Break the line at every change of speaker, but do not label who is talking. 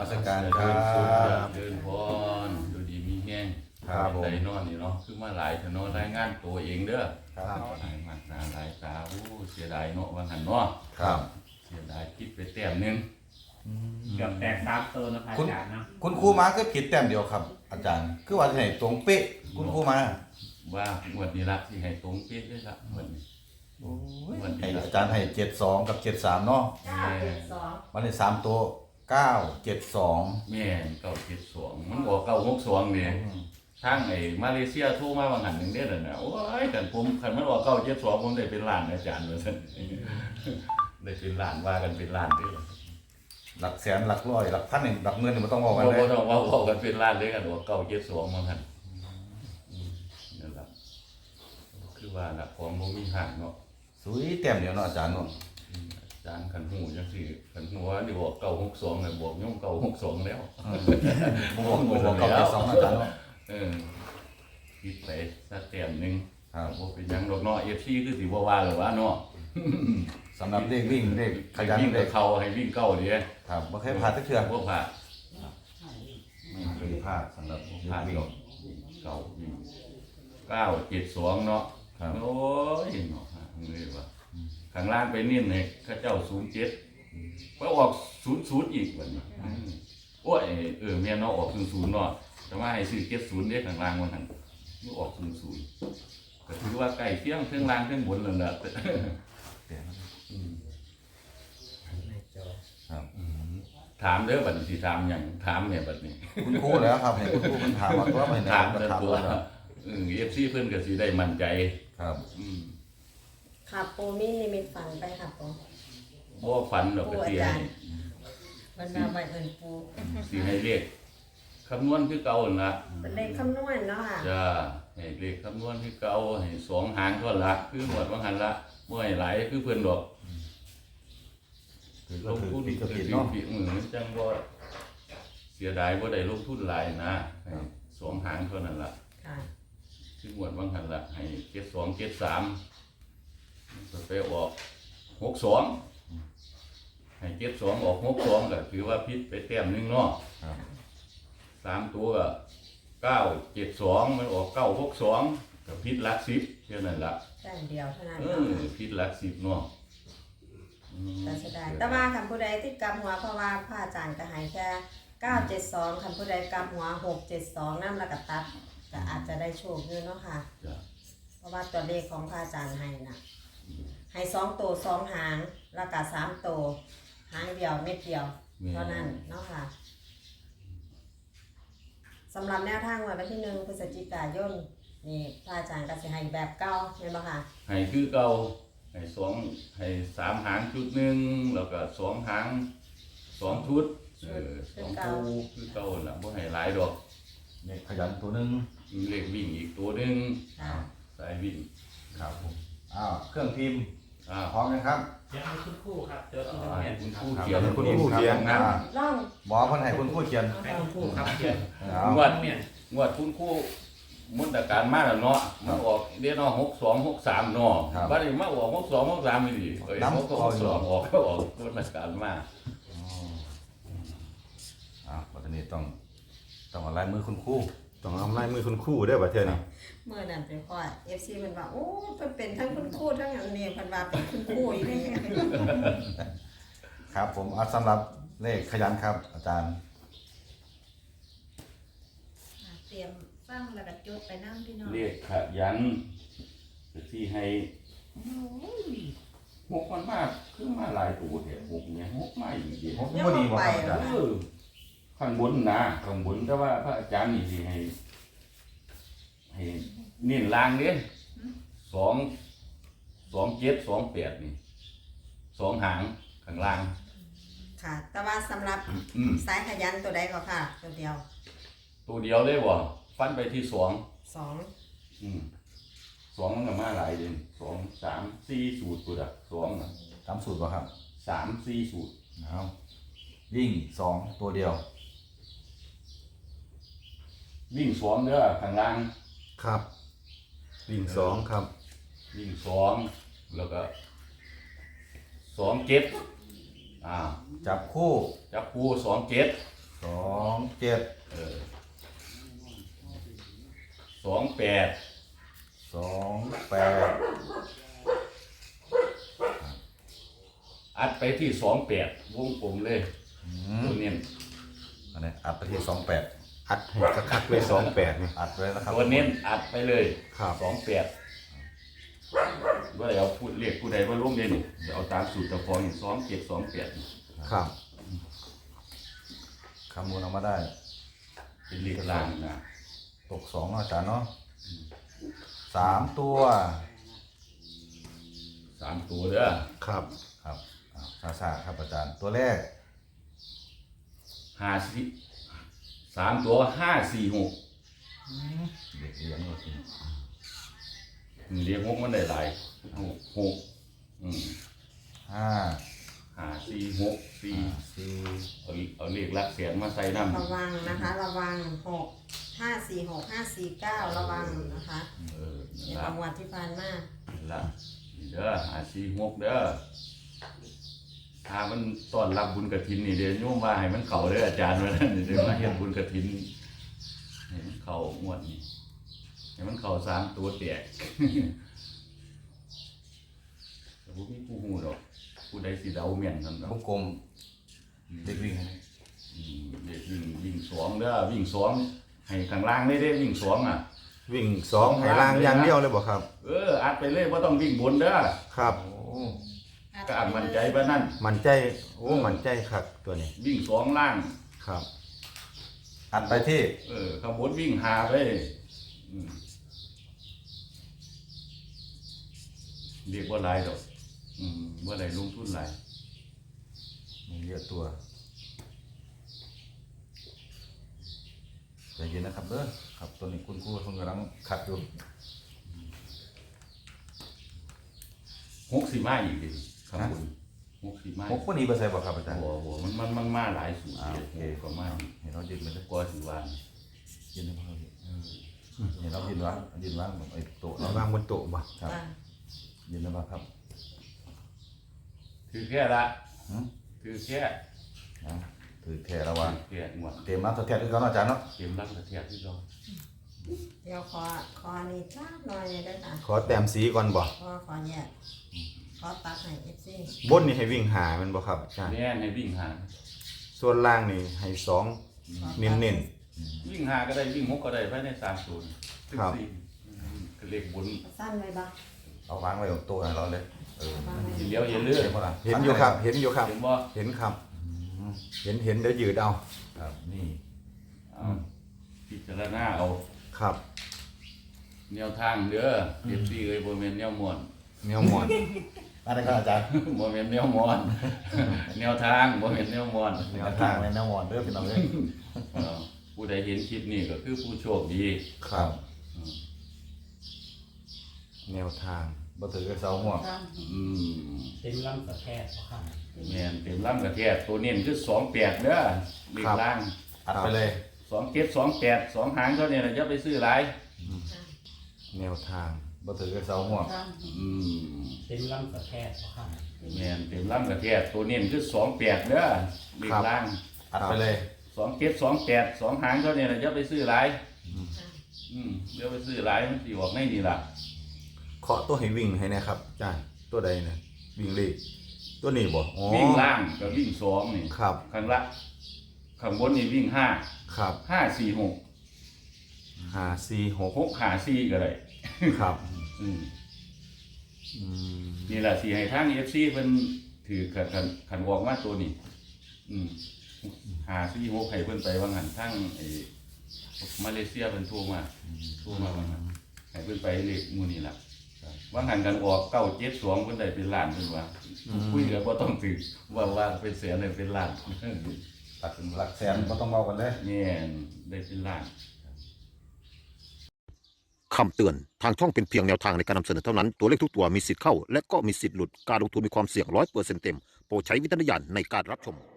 สการครับ
เดินพรดูดีมีแห้ง
ครับผม
ใจนอนนี่เนาะคือมาหลายถนนรายงานตัวเองเด้อ
ครับ
หลายมากหนาหลายตาโอ้เสียดายเนาะว่าหันเนาะ
ครับ
เสียดายคิดไปแต้มหนึง
เกือบแตกสามตัวนะพระอาจารย์เนาะ
คุณครูมาก็ผิดแต้มเดียวครับ อาจารย์ คือว่าที่ไหนตรงเป๊ะคุณครูมา
ว่างวดนี้ละที่ให้ตรงเป๊ะเลยละงวดนี้งวด
ให้
นี้ละ
อาจารย์ให้72กับ73เนาะ
972
วันนี้3ตัว972
แม่น972มันบอก962นี่ทางไอ้มาเลเซียโทรมาว่าหันหนึงเด้อน่ะโอ้ยกันผมคันมันบอก972ผมได้เป็นล้านอาจารย์ว่าซั่น ได้เป็นล้านว่ากันเป็นล้านเด้อ
หลักแสนหลักร้อยหลักพันหนึ่งหลักหมื่นนี่บ่ต้องบอก
บ่
กันเลย
ต้องว่ากันเป็นล้านเลยกันว่า972มันหั่นนั่นล่ะคือว่าน่ะของบ่มีหักเนาะ
สุยแต้มเดียวเนาะอาจารย์เนาะ
อาจารย์คันหูจังซี่คันหัวนี่บอก962น่ะบอกย่อม962แล้ว
บ่บอก972อาจารย์เนาะ
คิดไปสักแต้มหนึง
ครับ
บ่เป็นหยังดอกเนาะ FC คือสิบ่ว่าหรอกว่าเนาะ
สำหรับเลขวิ่งเลขขยัน
วิ่ง
เล
ไป
ข
เข้าให้วิ่งเก้าเด้
ครับบ่เคยพลาดสักเทื่อ
บ่พลาด
ไม่เคยพลาดสำหรับเล
พลา
ข
ด
วิ่ง
ดอกวิ่งเก้าวิ่ง972เนาะ
ครับ
โอ้ยเนาะนี่ว่าข้างล่างไปนิ่นให้ข้าเจ้า07ไปออก00อีกบัดนี้โอ้ยแม่นเนาะออก00เนาะแต่ว่าให้ซื้อ70เด้ข้างล่างว่าหั่นบ่ออก00ก็ถือว่าใกล้เคียงเทิงล่างเทิงบนแล้วล่ะ
ครับ
ถามเด้อบัดนี้สิถามหยังถามแม่บัดนี้
คุณครูแล้วครับให้คุณครูเพิ่นถามว่าตัวไปไหน
ถาม
ก็
แต่
ถาม
ตัว
ว่าครับ
FC เพิ่นก็สิได้มั่นใจ
ครับ
ค่ะปูมีนิมิตฝันไปค่ะปู
บ่ฝันดอกก็สิให้
มันมาใบเอิญปู
สิให้เลขคำนวณคือเก่านั่นล่ะ
เป็นเลขคำนวณเนาะค่ะ
จ้าให้เลขคำนวณคือเก่าให้สองหางเท่าละคือหมดว่าหันละบ่ให้หลายคือเพิ่นดอก
คือ
ล
ก็
ง
คือ
ทุน
ผิดก็
คือ
ผิด
สิ
เนาะ
ผิดมือมันจังบ่เสียดายบ่ได้ลงทุนหลายนะให้สองหางเท่านั้นล่ะ
ค่ะ
คือหมดว่าหันละให้72 73ก็ไปออก62ให้72ออก62ก็ถือว่าผิดไปแต้มหนึงเนาะ
ครับ
3ตัวก็972มันออก962ก็ผิดหลัก10แค่นั้นล่ะ
แต้มเดียวเท่านั้น
เอ
เนาะ
อผิดหลัก10เนาะ
แต่เสียดายแต่ว่าคำผู้ใดที่กำหัวเพราะว่าพระอาจารย์ก็ให้แค่972คำผู้ใดกำหัว672นั่นแล้วก็ตัดก็อาจจะได้โชคอยู่เนาะค่ะ
จ้ะ
เพราะว่าตัวเลขของพระอาจารย์ให้น่ะให้2ตัว2หางแล้วก็3ตัวหางเดียวเม็ดเดียวเท่านั้นเนาะค่ะสำหรับแนวทางวันที่1พฤศจิกายนนี่พระอาจารย์ก็สิให้แบบเก่าแม่นบ่ค่ะ
ให้คือเก่าให้3หางชุดหนึงแล้วก็2หาง2ชุด2คู่คือเก่าล่ะบ่ให้หลายดอก
เลขขยันตัวหนึง
มีเลขวิ่งอีกตัวหนึง
ค่ะ
สายวิ่ง
ครับผมเครื่องพิมพ์
อ่า
พร้อมนะครับ
เดี๋ยวให้คุณครู่ครับเดี๋ยวที่
ให้
เขียน
คุณครู
ครับ
เขียน
คุณครูเขียน
นะ
ล่อง
หมอเพิ่นให้คุณครูเขียน
ให้คุณครู่ครับเขียน
เอา
งวด
เนี่ย
งวดคุณครูมุนตการมาแล้วเนาะมันออกเดี๋ยวเนาะ62 63เนาะบัดนี้มาออก62 63นี่ดิเอ้ย62ออกก็ออกมุนตการมา
วันนี้ต้องเอาลายมือคุณครู
ต้องเอาลายมือคุณครู่ได้ป่ะเท่านี้
เมื่อนั้นไปคอย FC เพิ่นว่าโอ้เพิ่นเป็นทั้งคุณครูทั้งอันนี้เพิ่นว่าเป็นคุณครูอีนี่
ครับผมเอาสำหรับเลขขยันครับ อาจารย์
เตรียมฟังแล้วก็จดไปนั่งพี่น้อง
เรียกขยันที่ให้หกมันมากคือมาหลายตัวเถอะหกเนี่ยหกมาอีกเดียว
ผมบ่ดีบ่ครับอาจารย์
ข้างบนนะข้างบนแต่ว่าพระอาจารย์นี่สิให้เน้นล่างเด้2 7 2 8นี่2หางข้างล่าง
ค่ะ แต่ว่าสำหรับสายขยันตัวใดก็ค่ะ ตัวเดียว
ตัวเดียวเลยบ่ฟันไปที่2
2
2มันก็มาหลายเด้2 3 4สูตรตัวละ2น่ะ
ตามสูตรป่ะครับ
3 4สูตร
เอาวิ่ง2ตัวเดียว
วิ่ง2เด้อข้างล่าง
ครับวิ่งสองครับ
วิ่ง2แล้วก็2 7จับ
จับคู่
คู่2 7
27
28
28
อัดไปที่28วงกลมเลยตัวเน้น
อันนี้อัดไปที่28
อัดให้คักๆเลย28นี่
อัดไว้นะครับ
ตัวเน้นอัดไปเลย
ครับ
28ว่าเอาพูดเรียกผู้ใดว่าร่วมเด่นเดี๋ยวเอาตามสูตรตะฟองอย่าง2728
ครับ
คำนวณออกมาได้
เป็นเลขล่างนะ
ตก2เนาะอาจารย์เนาะ3ตัว
3ตัวเด้อ
ครับ
ครับซาครับอาจารย์ตัวแรก
3ตัว546
เด็กเลี้ยงเลยสิ
เรียก6มันได้หลาย6อืม
5
546 4
4
เอาเลขหลักแสนมาใส่น้ำ
ระวังนะคะระวัง6 5 4 6 5 4 9ระวังนะคะ ใน
ละ
บางวันที่ผ่านมา
ละนี่เด้อ546เด้อถ้ามันต้อนรับบุญกฐินนี่เดี๋ยวโยมว่าให้มันเข้าเด้ออาจารย์ว่านั่นเดี๋ยวมาเฮ็ดบุญกฐินให้มันเข้างวดนี้ให้มันเข้า3ตัวแตก แต่บ่มีผู้ฮู้ดอกผู้ใดสิเดาแม่นซั่นดอก
วงกลมเด็กวิ่ง
เด็กวิ่ง2เด้อวิ่ง2ให้ข้างล่างได้วิ่ง2อ่ะ
วิ่ง2ให้ล่างอย่างเดียวเลยบ่ครับ
อัดไปเลยบ่ต้องวิ่งบนเด้อ
ครับ
โอ้
ก็อัดมั่นใจว่านั่น
มั่นใจโอ้มั่นใจครับตัวนี้
วิ่ง2ล่าง
ครับ
อัดไปที่
ข้างบนวิ่งหาไปอืมเรียกว่าหลายดอกว่าหลายลงทุนหลาย
มีเยอะตัวใจเย็นนะครับเด้อครับตัวนี้คุณครูเพิ่งกำลังขัดอยู่
60มาอีกดิข้างบน60มา
หกวันนี้เปอร์เซ็นต์บ่ครับอาจารย์
โอ้โหมันมาหลายสูตร
โอเค
ก็มา
เห็นเรายืนไปเลย
กว่าสิว่า
ยืนให้เขาเห็นเรายืนวางไอ้โต๊ะ
วางบนโต๊ะบ่
ครับ
อ่า
ยืนแล้วครับ
ถือแค่ละ
หืม
ถือแค่
ถือแค่ระวัง
แค่หมด
เตรียมน้ำตัวแทนคือเขาเนาะอาจารย์เนาะ
เตรียมรับกระเทียมที่เรา
เดี๋ยวขอนี่จ้าหน่อยเลยด้วยค่ะ
ขอแต้มสีก่อนบ่
ขอแยกขอตัดให้ FC
บนนี่ให้วิ่งหามันบ่ครับอาจารย์
แน่ให้วิ่งหา
ส่วนล่างนี่ให้2เน้น
วิ่งหาก็ได้วิ่งหกก็ได้ภายใน3ศูนย์
ครับ
ก็เลขบน
สั้นเลยบ้าง
เอาวางไว้บนโต๊ะให้เราเลย
อย่าเลี้ยวอย่าเลื่อน
เห็นบ่ล่ะ
ๆเห็นอยู่ครับ เห็นอยู่ครับ
เห็นบ่
เห็นครับ เห็นเดี๋ยวยืดเอา
ครับนี่
เอาพิจารณาเอา
ครับ
แนวทางเด้อเอฟซีเอ้ยบ่แม่นแนวม่วน
แนวหมอน
อะไรครับอาจารย์
บ่แม่นแนวม่วน แนวทางบ่แม่นแนวม่วน
แนวทางในแนวมอนเด้อพี่น้องเอ้ย
ผู้ใดเห็นคลิปนี้ก็คือผู้โชคดี
ครับ แนวทาง
บ่ถือกับเสาหัว
อืม
เต็มลำสะแคบครับ
แม่นเต็มลำกระแทกตัวเน้นคือ28เด้อเลขล่าง
อัดไปเลย
27 28 2หางเท่านี้น่ะอย่าไปซื้อหลาย
แนวทาง
บ่ถือกับเสาหัว
อืม
เต็มลำสะแคบครับ
แม่นเต็มลำกระแทกตัวเน้นคือ28เด้อเลขล่าง
อัดไปเลย
27 28 2หางเท่านี้น่ะอย่าไปซื้อหลายอย่าไปซื้อหลายมันสิออกในนี่ล่ะ
เคาะตัวให้วิ่งให้นะครับอาจารย์ตัวใดนะวิ่งเลขตัวนี้บ่อ๋อ
วิ่งล่างกับวิ่ง2นี่
ครับ
ข้างละข้างบนนี่วิ่งห้า
ครับ
5 4 6
5 4 6
6 5 4ก็ได้
ครับ
อืม
อืม
นี่ล่ะสิให้ทาง FC เพิ่นถือคันออกมาตัวนี้5 4 6ให้เพิ่นไปว่างั้นทางไอ้มาเลเซียเพิ่นโทรมาว่างั้นให้เพิ่นไปเลขหมู่นี่ล่ะว่างั้นกันออก972เพิ่นได้เป็นล้านเพิ่นว่าคุยก็บ่ต้องถือว่าเป็นแสนได้เป็นล้าน
ตัดถึงหลักแสนบ่ต้องเบากันเลย
แม่นได้เป็นล้าน
คำเตือน ทางช่องเป็นเพียงแนวทางในการนำเสนอเท่านั้น ตัวเลขทุกตัวมีสิทธิ์เข้า และก็มีสิทธิ์หลุด การลงทุนมีความเสี่ยง100%เต็ม โปรดใช้วิจารณญาณในการรับชม